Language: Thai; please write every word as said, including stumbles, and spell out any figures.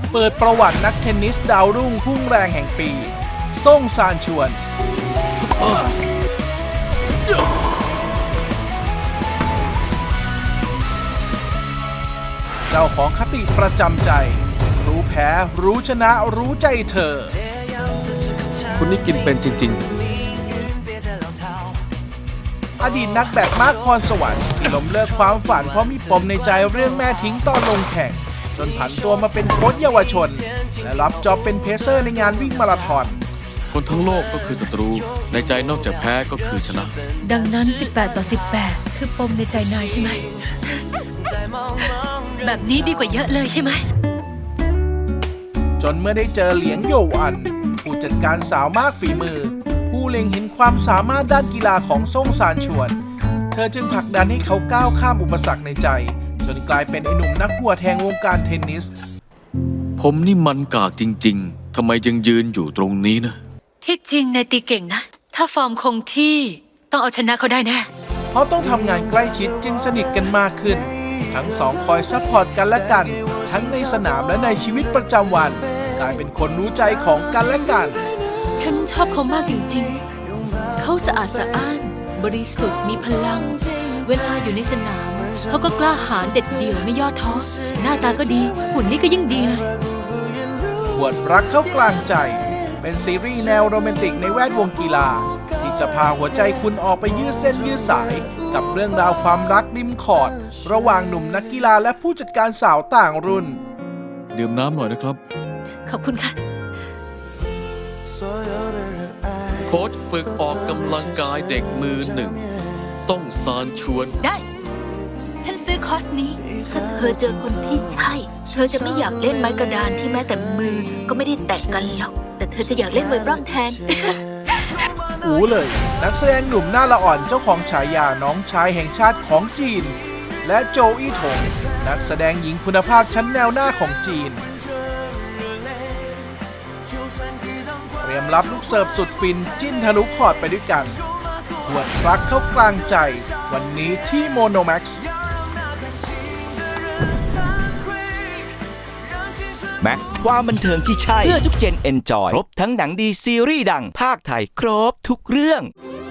เปิดประวัตินักเทนนิสดาวรุ่งพุ่งแรงแห่งปีซ่งซานชวนเจ้าของคติประจำใจรู้แพ้รู้ชนะรู้ใจเธอคุณนี่กินเป็นจริงๆอดีตนักแบดมากพรสวรรค์ที่ล้มเลิกความฝันเพราะมีปมในใจเรื่องแม่ทิ้งตอนลงแข่งจนผันตัวมาเป็นโค้ชเยาวชนและรับจ็อบเป็นเพเซอร์ในงานวิ่งมาราธอนคนทั้งโลกก็คือศัตรูในใจนอกจากแพ้ก็คือชนะดังนั้นสิบแปดต่อสิบแปดคือปมในใจนายใช่ไหม แบบนี้ดีกว่าเยอะเลยใช่ไหมจนเมื่อได้เจอเหลียงโยอันผู้จัดการสาวมากฝีมือผู้เล็งเห็นความสามารถด้านกีฬาของซ่งซานชวนเธอจึงผลักดันให้เขาก้าวข้ามอุปสรรคในใจจนกลายเป็นไอ้หนุ่มนักหัวแทงวงการเทนนิสผมนี่มันกากจริงๆทำไมยังยืนอยู่ตรงนี้นะที่จริงนายตีเก่งนะถ้าฟอร์มคงที่ต้องเอาชนะเขาได้แน่เพราะต้องทำงานใกล้ชิดจึงสนิทกันมากขึ้นทั้งสองคอยซัพพอร์ตกันและกันทั้งในสนามและในชีวิตประจำวันกลายเป็นคนรู้ใจของกันและกันฉันชอบเขามากจริงๆเขาสะอาดสะอ้านบริสุทธิ์มีพลังเวลาอยู่ในสนามเขาก็กล้าหาญเด็ดเดี่ยวไม่ย่อท้อหน้าตาก็ดีหุ่นนี่ก็ยิ่งดีเลยบวชรักเข้ากลางใจเป็นซีรีส์แนวโรแมนติกในแวดวงกีฬาที่จะพาหัวใจคุณออกไปยืดเส้นยืดสายกับเรื่องราวความรักริมขอดระหว่างหนุ่มนักกีฬาและผู้จัดการสาวต่างรุ่นดื่มน้ำหน่อยนะครับขอบคุณค่ะโค้ชฝึกออกกำลังกายเด็กมือหนึ่งซ่งซานชวนได้ฉันซื้อคอร์สนี้ถ้าเธอเจอคนที่ใช่เธอจะไม่อยากเล่นไม้กระดานที่แม้แต่มือก็ไม่ได้แตะกันหรอกแต่เธอจะอยากเล่นมวยปล้ำแทนอูเลยนักแสดงหนุ่มหน้าละอ่อนเจ้าของฉายาน้องชายแห่งชาติของจีนและโจอี้ถงนักแสดงหญิงคุณภาพชั้นแนวหน้าของจีนเตรียมรับลูกเสิร์ฟสุดฟินจิ้นทะลุคอร์ดไปด้วยกันหวดรักเข้ากลางใจวันนี้ที่โมโนแม็กซ์แม็กซ์ความบันเทิงที่ใช่เพื่อทุกเจนเอนจอยครบทั้งหนังดีซีรีส์ดังภาคไทยครบทุกเรื่อง